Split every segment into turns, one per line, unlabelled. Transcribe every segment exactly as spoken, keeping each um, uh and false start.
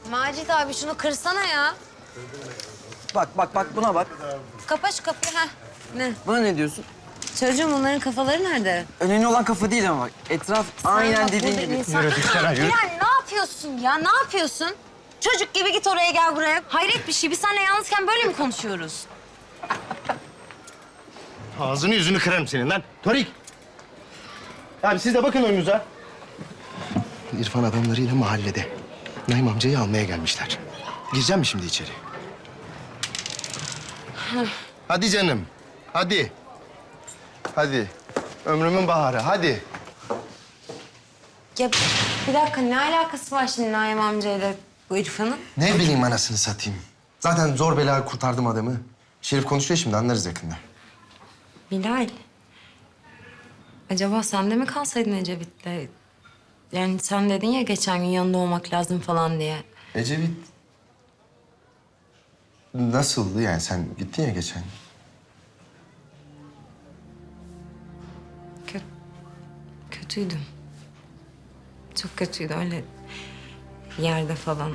Macit abi şunu kırsana ya.
Bak bak bak buna bak.
Kapa şu kapıyı ha. Ne?
Buna ne diyorsun?
Çocuğum onların kafaları nerede?
Önemli olan kafa değil ama bak. Etraf
Sen
aynen
bak,
dediğin
burada
gibi.
insan-
Yürü Diksel, yürü.
Bilal ne yapıyorsun ya? Ne yapıyorsun? Çocuk gibi git oraya gel buraya. Hayret bir şey. Biz seninle yalnızken böyle mi konuşuyoruz?
Ağzını yüzünü kırarım senin lan. Torik. Abi siz de bakın önünüze. İrfan adamlarıyla mahallede. Naim amcayı almaya gelmişler. Gireceğim mi şimdi içeri? Hadi canım. Hadi. Hadi. Ömrümün baharı. Hadi.
Ya bir dakika ne alakası var şimdi Naim amcayla bu İrfan'ın?
Ne bileyim anasını satayım. Zaten zor bela kurtardım adamı. Şerif konuşuyor şimdi, anlarız yakında.
Bilal. Acaba sen de mi kalsaydın Ecevit'le? Yani sen dedin ya geçen gün yanında olmak lazım falan diye.
Ecevit... Nasıldı yani? Sen gittin ya geçen.
Kö kötüydüm. Çok kötüydü öyle yerde falan.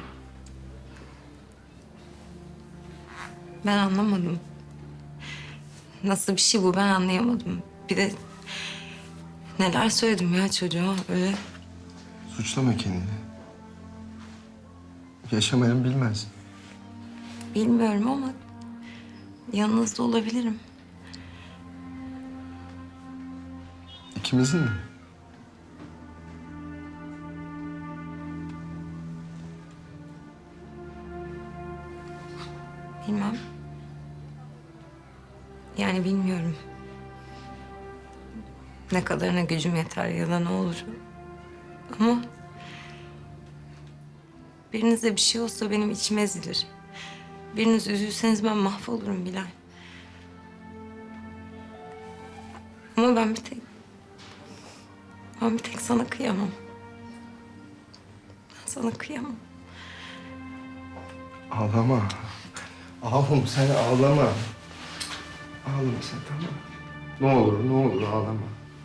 Ben anlamadım. Nasıl bir şey bu ben anlayamadım. Bir de neler söyledim ya çocuğa öyle.
Suçlama kendini. Yaşamayan bilmez.
Bilmiyorum ama yanınızda olabilirim.
İkimizin mi?
Bilmem. Yani bilmiyorum. Ne kadarına gücüm yeter ya da ne olur. Ama birinize bir şey olsa benim içim ezilir. Biriniz üzülseniz ben mahvolurum Bilal. Ama ben bir tek... Ben bir tek sana kıyamam. Ben sana kıyamam.
Ağlama. Ağlama sen ağlama. Ağlama sen, tamam mı? Ne olur ne olur ağlama.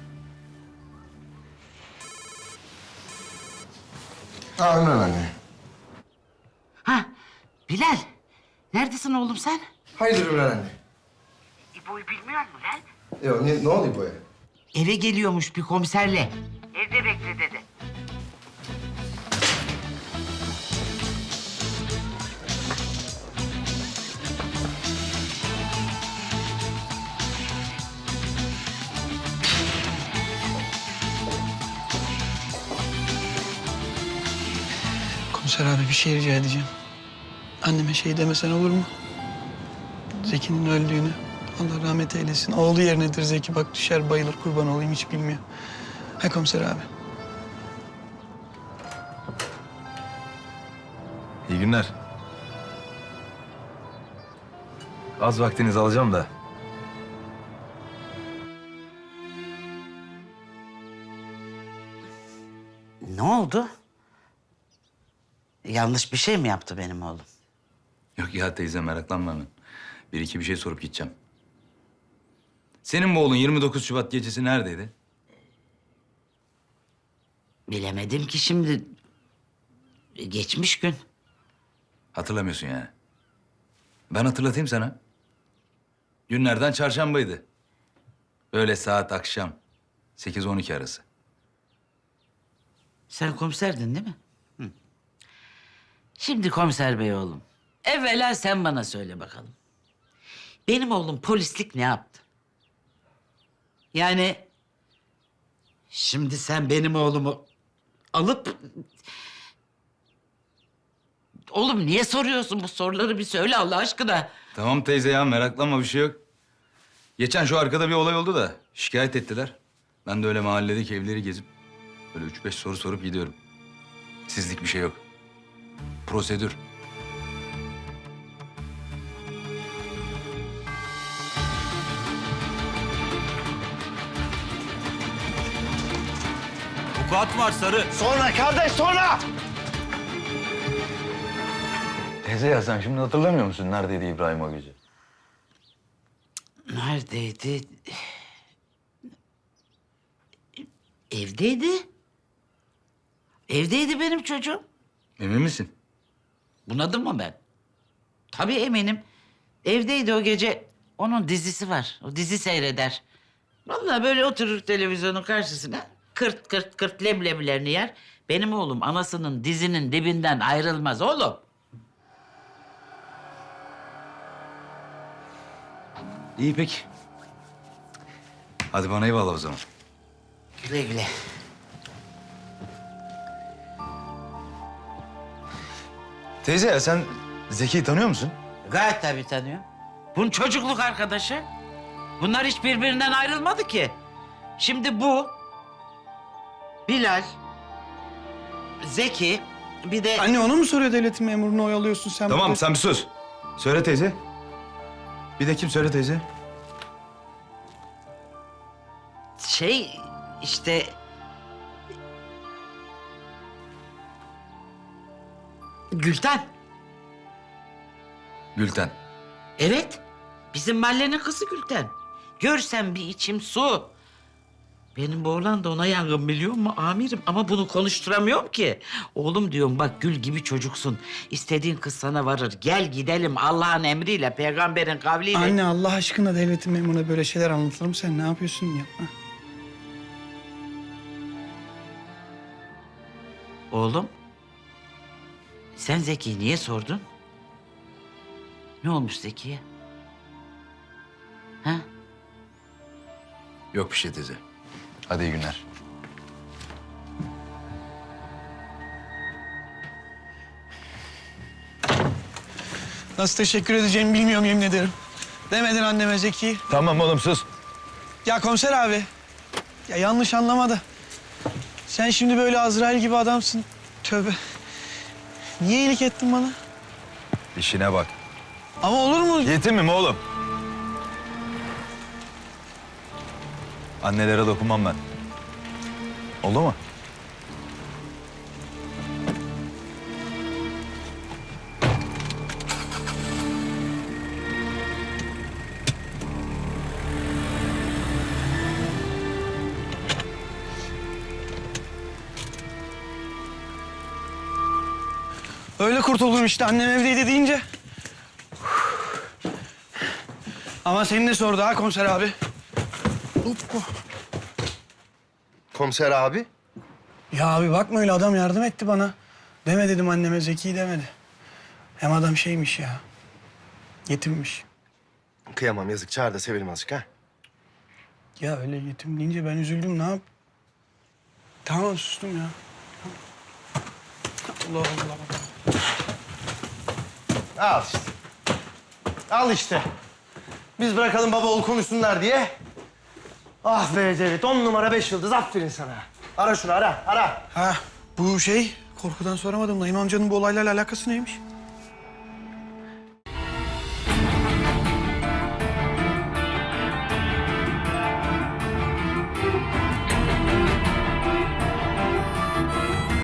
Aa Ümran anne.
Ha, Bilal. Neredesin oğlum sen?
Hayırdır Ümran anne?
İbo'yu bilmiyor musun lan?
Yok ne, ne oluyor bu ya?
Eve geliyormuş bir komiserle. Evde bekle dedi.
Komiser abi bir şey rica edeceğim. Anneme şey demesen olur mu? Zeki'nin öldüğünü. Allah rahmet eylesin. Oğlu yerinedir Zeki. Bak düşer bayılır kurban olayım hiç bilmiyor. Ha komiser abi.
İyi günler. Az vaktinizi alacağım da.
Ne oldu? Yanlış bir şey mi yaptı benim oğlum?
Yok ya teyze meraklanma hemen. Bir iki bir şey sorup gideceğim. Senin bu oğlun yirmi dokuz Şubat gecesi neredeydi?
Bilemedim ki şimdi. Geçmiş gün.
Hatırlamıyorsun yani. Ben hatırlatayım sana. Günlerden çarşambaydı. Böyle saat akşam sekiz on iki arası.
Sen komiserdin değil mi? Hı. Şimdi komiser bey oğlum. Evvela sen bana söyle bakalım. Benim oğlum polislik ne yaptı? Yani şimdi sen benim oğlumu alıp... Oğlum niye soruyorsun bu soruları bir söyle Allah aşkına.
Tamam teyze ya meraklanma bir şey yok. Geçen şu arkada bir olay oldu da şikayet ettiler. Ben de öyle mahalledeki evleri gezip böyle üç beş soru sorup gidiyorum. Sizlik bir şey yok. Prosedür.
Vukuat var Sarı.
Sonra kardeş sonra!
Teyze ya sen şimdi hatırlamıyor musun neredeydi İbrahim o gece?
Neredeydi? Evdeydi. Evdeydi benim çocuğum.
Emin misin?
Bunadım mı ben? Tabii eminim. Evdeydi o gece. Onun dizisi var. O dizi seyreder. Vallahi böyle oturur televizyonun karşısına. Kırt kırt kırt leblebilerini yer. Benim oğlum anasının dizinin dibinden ayrılmaz oğlum.
İyi peki. Hadi bana eyvallah o zaman.
Güle güle.
Teyze ya sen Zeki'yi tanıyor musun?
Gayet tabii tanıyor. Bunun çocukluk arkadaşı. Bunlar hiç birbirinden ayrılmadı ki. Şimdi bu, Bilal, Zeki, bir de...
Anne onu mu soruyor devletin memurunu oyalıyorsun sen?
Tamam
burada?
sen bir sus. Söyle teyze. Bir de kim söyle teyze?
Şey işte... Gülten.
Gülten.
Evet. Bizim mahallenin kızı Gülten. Görsen bir içim su. Benim bu oğlan da ona yangın biliyor musun amirim? Ama bunu konuşturamıyorum ki. Oğlum diyorum bak gül gibi çocuksun. İstediğin kız sana varır. Gel gidelim Allah'ın emriyle, peygamberin kavliyle.
Anne Allah aşkına devletin memuruna böyle şeyler anlatır mı? Sen ne yapıyorsun yapma.
Oğlum, sen Zeki'yi niye sordun? Ne olmuş Zeki'ye? Ha?
Yok bir şey teyze. Hadi iyi günler.
Nasıl teşekkür edeceğimi bilmiyorum yemin ederim. Demedin anneme Zeki.
Tamam oğlum sus.
Ya komiser abi. Ya yanlış anlamadı. Sen şimdi böyle Azrail gibi adamsın. Tövbe. Niye iyilik ettin bana?
İşine bak.
Ama olur mu?
Yetimim oğlum. Annelere dokunmam ben. Oldu mu?
Öyle kurtuldum işte annem evdeydi deyince. Ama seni de sordu ha komiser abi.
Komiser abi.
Ya abi bakma öyle adam yardım etti bana. Deme dedim anneme Zeki demedi. Hem adam şeymiş ya. Yetimmiş.
Kıyamam yazık. Çağır da sevelim azıcık ha.
Ya öyle yetim deyince ben üzüldüm ne yap? Tamam sustum ya. Allah Allah.
Al işte. Al işte. Biz bırakalım baba oğul konuşsunlar diye. Ah be Cevdet, on numara beş yıldız. Aferin sana. Ara şunu, ara, ara.
Ha bu şey korkudan soramadım. Naim amcanın bu olaylarla alakası neymiş?